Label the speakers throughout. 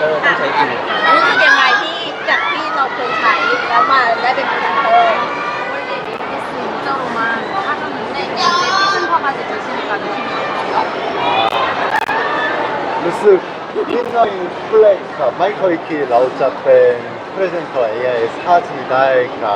Speaker 1: ต้องใช้จริง
Speaker 2: รู้สึกยังไงที่จากที่เราเคยใช้แล้วมาได้เป็นพรีเซนเตอร์
Speaker 3: 원래 ABS 인저로만 하셨는데 이제 피센터가 되시니까 느낌이 어떠세요?
Speaker 4: รู้สึกนิดหน่อยเปลกครับไม่เคยคิดเราจะเป็นพรีเซนเตอร์ AIS ค่าที่ได้ครับ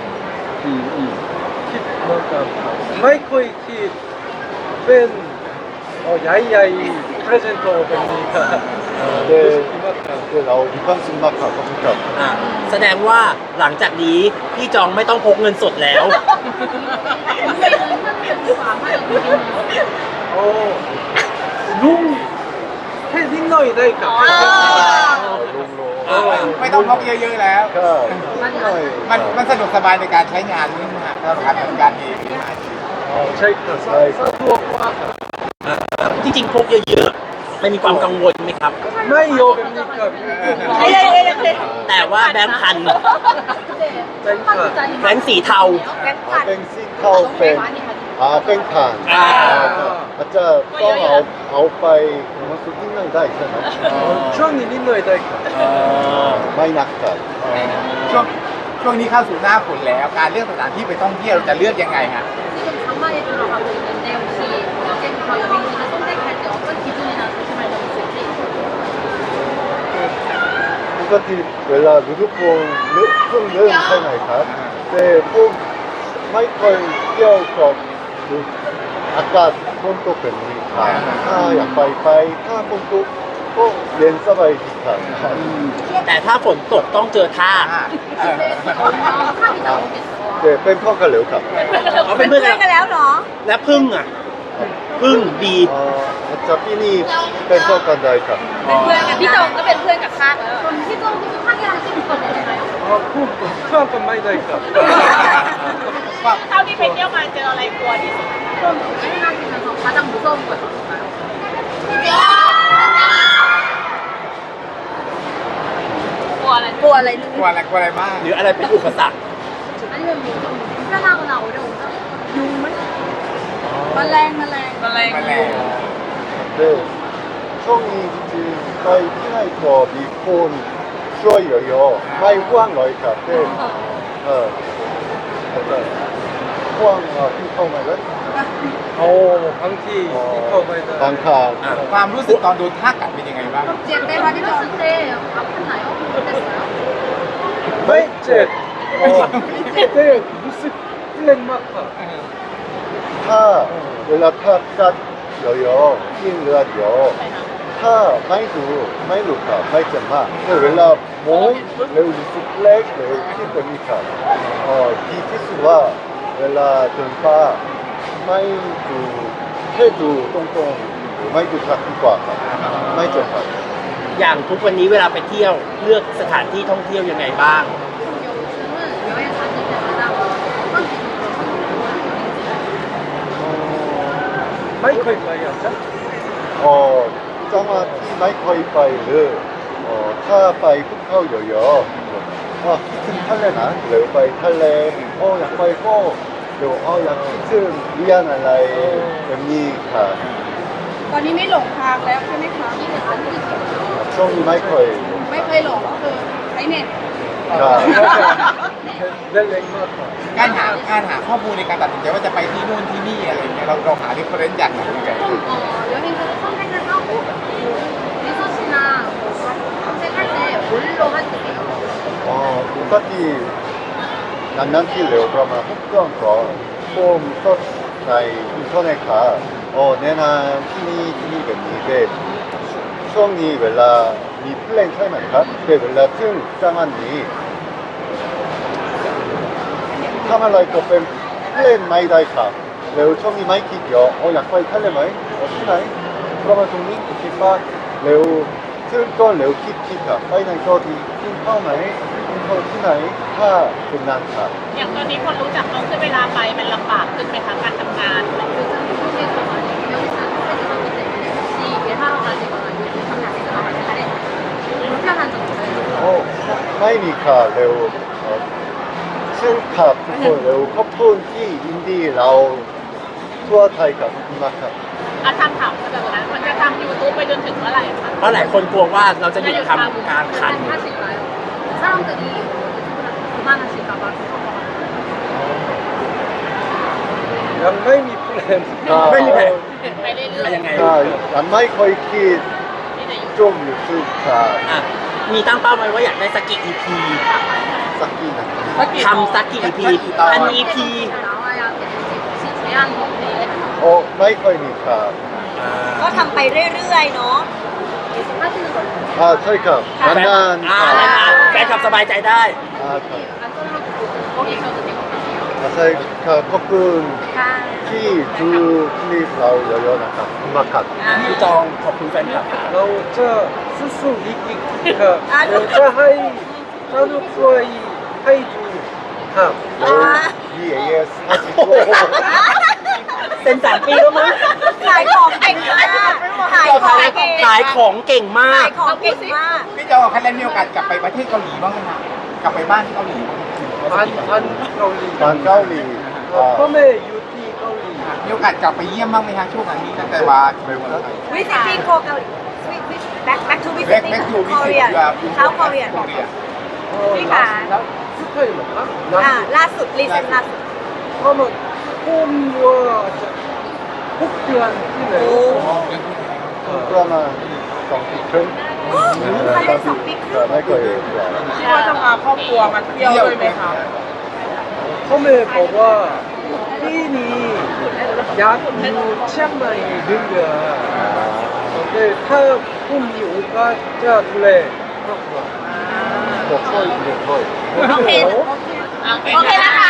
Speaker 1: คิดเหมือนกันไม่เคยคิดเป็นใหญ่ๆ presenter แบบนี้ครับรู้สึกดีมากครับ
Speaker 4: เรามีความสุขมากครับขอบคุณครับ
Speaker 5: แสดงว่าหลังจากนี้พี่จองไม่ต้องพกเงินสดแล้ว
Speaker 1: โอ้ลุงแค่นิดหน่อยได้ครับ
Speaker 4: ลุงโล
Speaker 6: ไม่ต้องพกเยอะๆแล้ว
Speaker 4: ก็นิดหน่อย
Speaker 6: มันสะดวกสบายในการใช้งานนี่นะสำหรับการทำงานเอง
Speaker 1: ใช่ครับสะดวกมากครับ
Speaker 5: จริงๆพกเยอะๆไม่มีความกังวลไหมครับ
Speaker 1: ไม่เยอะแบบนี้ครับ
Speaker 5: แต่ว่าแบงค์พัน
Speaker 1: ใช่ครับ
Speaker 5: แบงค์สีเทา
Speaker 4: เป็นซิงเข้าเป็นเป็นผ่านอาจจะต้องเอาไปมันสุดนิดหน่อยได้ใช่ไหม
Speaker 1: ช่วงนี้นิดหน่อยได้ครับ
Speaker 4: ไม่หนักครับ
Speaker 6: ช่วงนี้เข้าสู่หน้าฝนแล้ว การเลือกสถานที่ไปท่องเที่ยวเราจะเลือกยังไงฮะ
Speaker 3: 지금 장마에 들어가고 있는데 혹시 어제부터 여행지를 선택할 때 어떤 기준이나 조심할 점 있을지?
Speaker 4: ปกติเวลาฤดูฝนเพิ่งเริ่มใช่ไหมครับแต่ผมไม่เคยเที่ยวกับอากาศฝนตกแบบนี้ครับถ้าอยากไปถ้าฝนตกก็เย็นสบายดีครับ
Speaker 5: แต่ถ้าฝนตกต้องเจอท่า
Speaker 3: 탑이 나오겠어.
Speaker 4: แต่เป็นพ่อกันเหลวครับ
Speaker 5: เขา
Speaker 2: เป็
Speaker 5: เป็น น
Speaker 2: เพื่
Speaker 5: เพื่
Speaker 2: อ
Speaker 5: อน น
Speaker 2: กั
Speaker 5: กัน น
Speaker 2: แล้วเหรอ
Speaker 5: และพึ่งอ่ะพึ่งดี
Speaker 4: อาจารย์พี่นี่เป็นพ่อกันได้ครับ
Speaker 2: เป็นเพื่อนกันพี่จงก็เป็นเพื่อนกับข้าแล้ว
Speaker 3: 그럼 희정도 상의랑 찍을 거 되나요?
Speaker 1: เพื่อนกันไม่ได้ครับ
Speaker 2: เท่าที่ไปเที่ยวมาเจออะไรกลัวที่สุด
Speaker 3: 그럼 여행하시면서 가장 무서운 거 있을까요?
Speaker 2: กลัวอะไรกลัวอะไร
Speaker 6: กลัวอะไรมาก
Speaker 5: หรืออะไรเป็นอุปสรรค
Speaker 3: 아니면 뭐좀 불편하거나 어려운 점?
Speaker 2: แมลง
Speaker 6: แมลง
Speaker 4: 네, 총이 지금 거의 피나이터 미콘 쇼여요. 마이 후앙 러이카 때, 약간 후앙 핑커 말은
Speaker 1: โอ้บางทีที่เข้าไม่ได้
Speaker 4: 방카.
Speaker 6: ความรู้สึกตอนโดนท่ากัดเป็นยังไงบ้าง
Speaker 3: 제 때가 들었을 때 아팠나요? 어땠어요?
Speaker 1: ไม่เจ็บแต่รู้สึกเล่นมากครับ
Speaker 4: 타, 웰라 타갓 여요. 흰 르아디요. 타, 마이루카, 마이점마. 웰라 몽, 레우 리스 플렉, 레우 킨더미카. 디티스와 웰라 등파, 마이두, 해두, 똥똥, 마이두 자꾸과, 마이점마.
Speaker 5: อย่างทุกวันนี้เวลาไปเที่ยวเลือกสถานที่ท่องเที่ยวยังไงบ้าง
Speaker 3: 요즘은 여행 다닐 때마다 어떤 기준으로 선택을
Speaker 1: ไม่เคยไปอ่ะจ๊ะ
Speaker 4: 정말 마이커이 파일을 타바이 푸카오 여여 키튼 탈레나 레오바이 탈레 약바이 꼬 약 키튼 위안알라이 엠니카
Speaker 2: ตอนนี้ไม่หลงทางแล้วใช่ไหมคะ
Speaker 4: ช่วงนี้ไม่เคย
Speaker 2: ไม่เคยหลงก็คือใช้เน็ต
Speaker 4: ครับ
Speaker 1: เล่นเล่นมากครับ
Speaker 6: การหาข้อมูลในการตัดสินใจว่าจะไปที่นู่นที่นี่อะไรเงี้ยเราหาที่เฟรนซ์จากไหนยังไง
Speaker 3: 여행지를 선택을 하고 리서치나 검색할 때 뭘로 하세요?
Speaker 4: 똑같이 난난티 레오브라마 혹던 거폼 서치 나이 인터넷 가 내나 티니 뱀니데 수영니 웰라 니 플랜 차이만카 그 웰라 튼 짱한니 타말라이커 뱀 플랜 마이다이카 레오 총이 마이키디어 약파이 탈레마이 티나이 그러면 동니 키파 레오 틀건 레오 키키카 파이나이 거디 킹파우마이 킹파우 티나이 하 금난카
Speaker 2: อย่างตอนนี้คนรู้จักน้องขึ้นเวลาไปมันลำบากขึ้นไหมคะการทำงาน
Speaker 3: 요즘 한국에서 많이 여기서 선택하기 때문에 혹시 일하러 가시거나 요즘 장학에서 나가실 때 불편한 점 있어요?
Speaker 4: 마이니카 레오 칠카 푸폰 레오 커폰 티 인디 라오 투어 타이카 마카
Speaker 3: ทำถามแบบนั้นมันจะทำยูทูบไปจนถึงเมื่อไหร่คะ
Speaker 5: เพราะหลายคนกลัวว่าเราจะหยุดทำการขัน
Speaker 3: ถ้าสิบไลฟ์사람들이 그만하실까 봐
Speaker 1: ยังไม่มีแพลน
Speaker 5: ไม่มีแผน
Speaker 3: ไปเรื่อยๆ
Speaker 5: ยังไง
Speaker 4: ยังไม่ค่อยคิด
Speaker 3: ที่ในยูทูบ
Speaker 4: ช่วงยูทูบครับ
Speaker 5: อ่ะมีตั้งเป้าไว้ว่าอยากได้สักกี่ EP
Speaker 4: สักกี่นาที
Speaker 5: ทำสักกี่ EP พัน EP
Speaker 3: 나와야 되는지 혹시 제한 없네
Speaker 4: โอ้ไม่ค่อยมีครับ
Speaker 2: ก็ทำไปเรื่อยๆเนาะ
Speaker 3: 계속 하시는 거예요?
Speaker 4: ใช่ครับนานๆ
Speaker 5: อ่า
Speaker 4: ครับ
Speaker 5: นานๆแฟนคลับสบายใจได้
Speaker 4: ครับ
Speaker 3: 안 잘라도 거기 계셔도 되거든요.
Speaker 4: ใช่ครับขอบคุณ
Speaker 2: ค่ะ
Speaker 4: ที่ดูคลิปเราเยอะๆนะครับขอบคุณมากครับ
Speaker 5: พี่จองขอบคุณแฟนคลับ
Speaker 1: เราจะสู้ๆอีกครับเราจะให้สนุกด้วยให้ดูครับ
Speaker 4: แล้ว VAS 50ตัว
Speaker 5: เซ็น3 ปีแล้วมั้ง
Speaker 2: ขายของเก่งมากขายของเก่ง
Speaker 5: ขายของเก่งมา
Speaker 2: ขาก ยของเก่งมาก
Speaker 6: พี่โจคะแนนมีโอกาสกลับไปประเทศเกาหลีบ้างไหมครับกลับไปบ้านที่เกาหลีบ้างไหม
Speaker 1: พันเกาหลี
Speaker 4: บ้านเกาหลี
Speaker 1: พ่อแม่อยู่ที่เกาหลี
Speaker 6: มีโอกาสกลับไปเยี่ยมบ้างไหมฮะช่วงนี้ตั้งแต่ว่าไปวันไทย
Speaker 2: visiting Korea เกาหลี back to
Speaker 6: แบ็ค
Speaker 2: visiting
Speaker 6: แบ็คทูวิสิต
Speaker 2: Korea เช้า Korea
Speaker 6: เกาหลี
Speaker 2: พี่ขา
Speaker 1: สเปนเหรอครับ
Speaker 2: ล่าสุดรีเซนล่าสุด
Speaker 1: ประมาณผมว่าจะ6 เดือนที่ไหน
Speaker 4: ประมาณ2 ปีครึ่ง
Speaker 2: ภายใน2 ปีครึ่ง
Speaker 4: ไม่เคย
Speaker 7: คิดว่าจะพาครอบครัวมาเที่ยวด้วยไหมคะ
Speaker 1: พ่อแม่บอกว่าปีนี้อยากอยู่เชียงใหม่1 เดือนแต่ถ้าผมมีโอกาสจะดูแลครอบครัว
Speaker 4: บอกช่วยเด็กด้วย
Speaker 2: โอเค โอเคนะคะ